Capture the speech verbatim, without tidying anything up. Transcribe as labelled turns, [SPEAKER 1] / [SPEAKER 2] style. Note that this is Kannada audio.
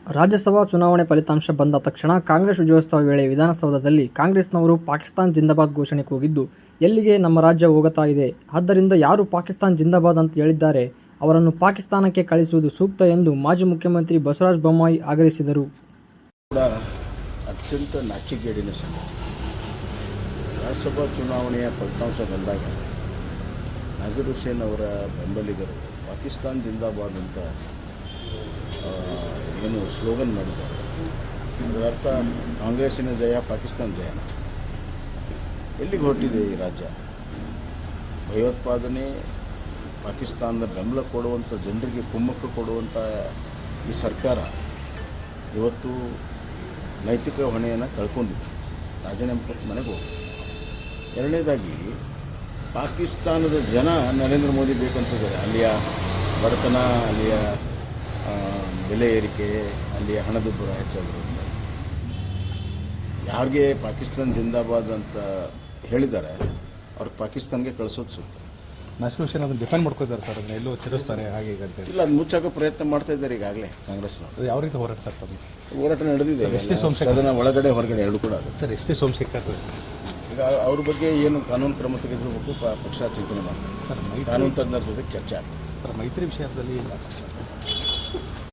[SPEAKER 1] ರಾಜ್ಯಸಭಾ ಚುನಾವಣೆ ಫಲಿತಾಂಶ ಬಂದ ತಕ್ಷಣ ಕಾಂಗ್ರೆಸ್ ವಿಜಯೋತ್ಸವ ವೇಳೆ ವಿಧಾನಸೌಧದಲ್ಲಿ ಕಾಂಗ್ರೆಸ್ನವರು ಪಾಕಿಸ್ತಾನ್ ಜಿಂದಾಬಾದ್ ಘೋಷಣೆ ಕೂಗಿದ್ದು, ಎಲ್ಲಿಗೆ ನಮ್ಮ ರಾಜ್ಯ ಹೋಗುತ್ತಾ ಇದೆ, ಆದ್ದರಿಂದ ಯಾರು ಪಾಕಿಸ್ತಾನ್ ಜಿಂದಾಬಾದ್ ಅಂತ ಹೇಳಿದ್ದಾರೆ ಅವರನ್ನು ಪಾಕಿಸ್ತಾನಕ್ಕೆ ಕಳಿಸುವುದು ಸೂಕ್ತ ಎಂದು ಮಾಜಿ ಮುಖ್ಯಮಂತ್ರಿ ಬಸವರಾಜ ಬೊಮ್ಮಾಯಿ ಆಗ್ರಹಿಸಿದರು.
[SPEAKER 2] ಕೂಡ ಅತ್ಯಂತ ನಾಚಿಕೆಗೇಡಿನ ಸಂಗತಿ. ರಾಜ್ಯಸಭಾ ಚುನಾವಣೆಯ ಫಲಿತಾಂಶ ಬಂದಾಗ ನಜೀರ್ ಹುಸೇನ್ ಅವರ ಬೆಂಬಲಿಗರು ಪಾಕಿಸ್ತಾನ್ ಜಿಂದಾಬಾದ್ ಅಂತ ಏನು ಸ್ಲೋಗನ್ ಮಾಡಿದ್ದಾರೆ. ಇದರರ್ಥ ಕಾಂಗ್ರೆಸ್ಸಿನ ಜಯ, ಪಾಕಿಸ್ತಾನ ಜಯನ. ಎಲ್ಲಿಗೆ ಹೊರಟಿದೆ ಈ ರಾಜ್ಯ? ಭಯೋತ್ಪಾದನೆ, ಪಾಕಿಸ್ತಾನದ ಬೆಂಬಲ ಕೊಡುವಂಥ ಜನರಿಗೆ ಕುಮ್ಮಕ್ಕು ಕೊಡುವಂಥ ಈ ಸರ್ಕಾರ ಇವತ್ತು ನೈತಿಕ ಹೊಣೆಯನ್ನು ಕಳ್ಕೊಂಡಿದೆ. ರಾಜೀನಾಮೆ ಕೊಟ್ಟು ಮನೆಗೆ ಹೋಗಿ. ಎರಡನೇದಾಗಿ ಪಾಕಿಸ್ತಾನದ ಜನ ನರೇಂದ್ರ ಮೋದಿ ಬೇಕಂತಿದ್ದಾರೆ. ಅಲ್ಲಿಯ ಬಡತನ, ಅಲ್ಲಿಯ ಬೆಲೆ ಏರಿಕೆ, ಅಲ್ಲಿಯ ಹಣದುಬ್ಬರ ಹೆಚ್ಚಾಗಿರೋದು. ಯಾರಿಗೆ ಪಾಕಿಸ್ತಾನ ಜಿಂದಾಬಾದ್ ಅಂತ ಹೇಳಿದ್ದಾರೆ ಅವ್ರಿಗೆ ಪಾಕಿಸ್ತಾನ್ಗೆ ಕಳಿಸೋದು ಸೂಕ್ತ.
[SPEAKER 3] ನಜೀರ್ ಹುಸೇನ್ ಅದನ್ನು ಡಿಫೆಂಡ್ ಮಾಡ್ಕೋತಾರೆ ಸರ್, ಅದನ್ನ ಎಲ್ಲೋ ತಿರುಸ್ತಾರೆ ಹಾಗೆ ಈಗ ಅಂತ.
[SPEAKER 2] ಇಲ್ಲ, ಅದು ಮುಚ್ಚಾಕೋ ಪ್ರಯತ್ನ ಮಾಡ್ತಾ ಇದ್ದಾರೆ ಈಗಾಗಲೇ ಕಾಂಗ್ರೆಸ್ನವರು.
[SPEAKER 3] ಯಾವ ರೀತಿ ಹೋರಾಟ ಸರ್ ತಮ್ಮ
[SPEAKER 2] ಹೋರಾಟ ನಡೆದಿದೆ.
[SPEAKER 3] ಎಸ್ ಟಿ ಸೋಮಶೇಖರ್
[SPEAKER 2] ಅದನ್ನು ಒಳಗಡೆ ಹೊರಗಡೆ ಎರಡು ಕೂಡ ಆಗುತ್ತೆ
[SPEAKER 3] ಸರ್. ಎಸ್ ಟಿ ಸೋಮಶೇಖರ್
[SPEAKER 2] ಈಗ ಅವ್ರ ಬಗ್ಗೆ ಏನು ಕಾನೂನು ಕ್ರಮ ತೆಗೆದುಬೇಕು ಪಕ್ಷ ಚಿಂತನೆ ಮಾಡ್ತಾರೆ.
[SPEAKER 3] ಸರ್
[SPEAKER 2] ಕಾನೂನು ತಜ್ಞರ ಜೊತೆ ಚರ್ಚೆ ಆಗ್ತದೆ
[SPEAKER 3] ಸರ್. ಮೈತ್ರಿ ವಿಷಯದಲ್ಲಿ